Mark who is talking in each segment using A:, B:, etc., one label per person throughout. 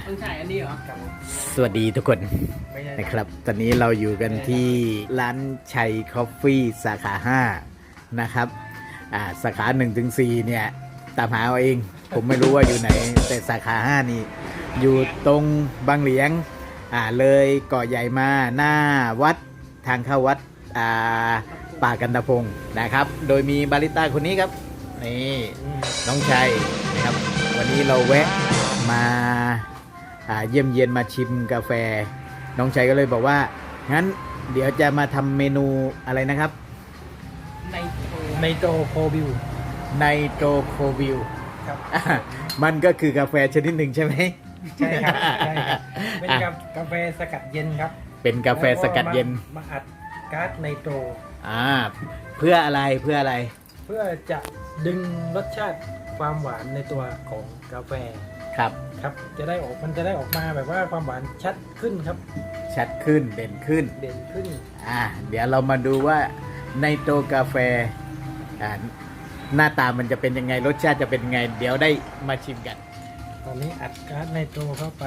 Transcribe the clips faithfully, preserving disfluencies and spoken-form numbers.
A: ต้องถ่ายอันนี้เหรอ
B: สวัสดีทุกคนนะครับ ตอนนี้เราอยู่กันที่ร้านชัยคอฟฟี่สาขาห้านะครับอ่าสาขาหนึ่งถึงสี่เนี่ยตามหาเอาเอง ผมไม่รู้ว่าอยู่ไหน แต่สาขาห้านี่อยู่ตรงบางเหลียงอ่าเลยเกาะใหญ่มาหน้าวัดทางเข้าวัดอ่าป่ากันตะพงนะครับ โดยมีบาริสต้าคนนี้ครับนี่น้องชัยนะครับวันนี้เราแวะมาอ่าเยี่ยมเยียนมาชิมกาแฟน้องชัยก็เลยบอกว่างั้นเดี๋ยวจะมาทำเมนูอะไรนะครับ
A: ในโต
C: ไนโตรโคบิว
B: ไนโตรโควิล
C: ครับ
B: มันก็คือกาแฟชนิดหนึ่งใช่ไหม
C: ใช่ครับใช่ครับเป็นกากาแฟสกัดเย็นครับ
B: เป็นกาแฟสกัดเย็น
C: แล้วมาอัดก๊าซไนโตร
B: อ่าเพื่ออะไรเพื่ออะไร
C: เพื่อจะดึงรสชาติความหวานในตัวของกาแฟ
B: ครับ
C: ครับจะได้ออกมันจะได้ออกมาแบบว่าความหวานชัดขึ้นครับ
B: ชัดขึ้นเด่นขึ้น
C: เด่นขึ้น
B: อ่าเดี๋ยวเรามาดูว่าไนโตรกาแฟอ่าหน้าตามันจะเป็นยังไงรสชาติจะเป็นยังไง เดี๋ยวได้มาชิมกัน
C: ตอนนี้อัดก๊าซไนโตรเข้าไป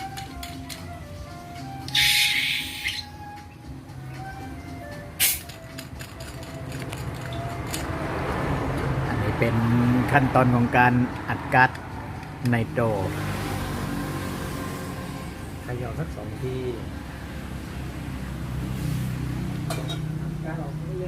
B: อันนี้เป็นขั้นตอนของการอัดก๊าซไนโตร
C: ขย่าสักสองทีก๊าซออกเรื่อย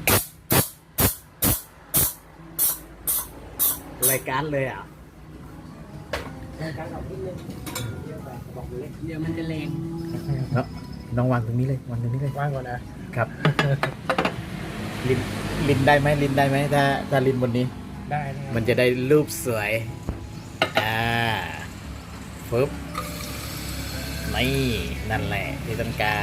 B: รายการเลยอ่ะ
C: ๆก๊าซออกนิดนึงเยอะไปบอกเล็ก
A: เดี๋ยวมันจะแรง
B: แล้วน้องวางตรงนี้เลยวางตรงนี้เลย
C: ว่างก่อนนะครับ
B: ลินลินได้ไหมลินได้ไหมถ้าถ้าลินบนนี้
C: ได้นะครับ
B: มันจะได้รูปสวย อ่าฟึบนี่นั่นแหละที่ต้องการ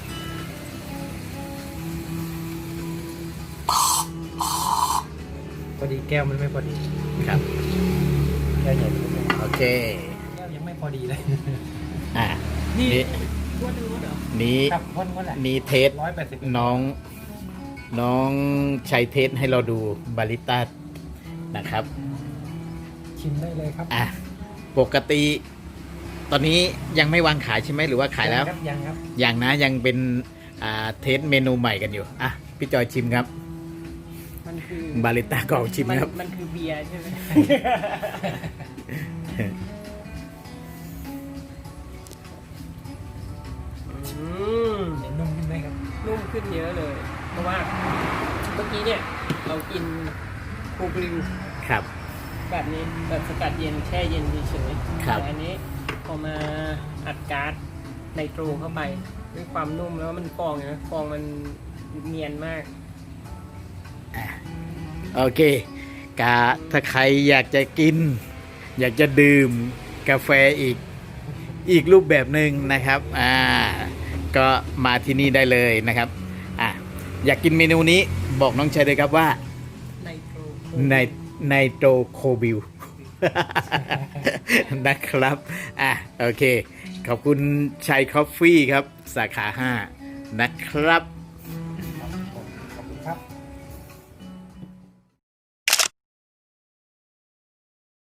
C: พอดีแก้วมันไม่พอดี
B: ครับ
C: แก้วใหญ่ไม่พอดี
B: โอเค
C: แก้วยังไม่พอดีเลย
B: อ่า
A: นี่
B: นี่
A: ว่าดูว่าเหรอ
B: นี้
C: ครับพ่นพ่นแหละ
B: นี้เทส
C: ร้อยแปดสิบ
B: น้อง น้องชัยเทสให้เราดูบาริสต้านะครับ
C: ชิมได้เลยครับ
B: อ่ะ ปกติ ตอนนี้ยังไม่วางขายใช่ไหมหรือว่าขายแล้ว
C: ครับยังครับ
B: ยังนะยังเป็นอ่าเทสเมนูใหม่กันอยู่ อ่ะ พี่จอยชิมครับ
A: มันคือบ
B: าริสต้ากองชิมครับ
A: นมันคือเบียร์ใช่ไหมอืม
C: เห็นนุ่มขึ้นไหมครับ
A: นุ่มขึ้นเยอะเลย เพราะว่าเมื่อกี้เนี่ย เรากินคูบลิว
B: ครับ
A: แบบนี้แบบสกัดเย็นแช่เย็นเฉยๆ
B: ครับ
A: แต่อันนี้พอมาอัดก๊าซไนโตรเข้าไปด้วยความนุ่มแล้วมันฟองนะฟองมันเนียนมาก
B: อ่ะโอเคกาถ้าใครอยากจะกิน อยากจะดื่มกาแฟอีก อีกรูปแบบหนึ่งนะครับ อ่า ก็มาที่นี่ได้เลยนะครับ อ่ะ อยากกินเมนูนี้บอกน้องชัยเลยครับว่า
A: ไนโตร
B: ในไนโตรโคบิล นะครับ อ่ะ โอเค ขอบคุณชัยคอฟฟี่ครับ สาขาห้านะครับ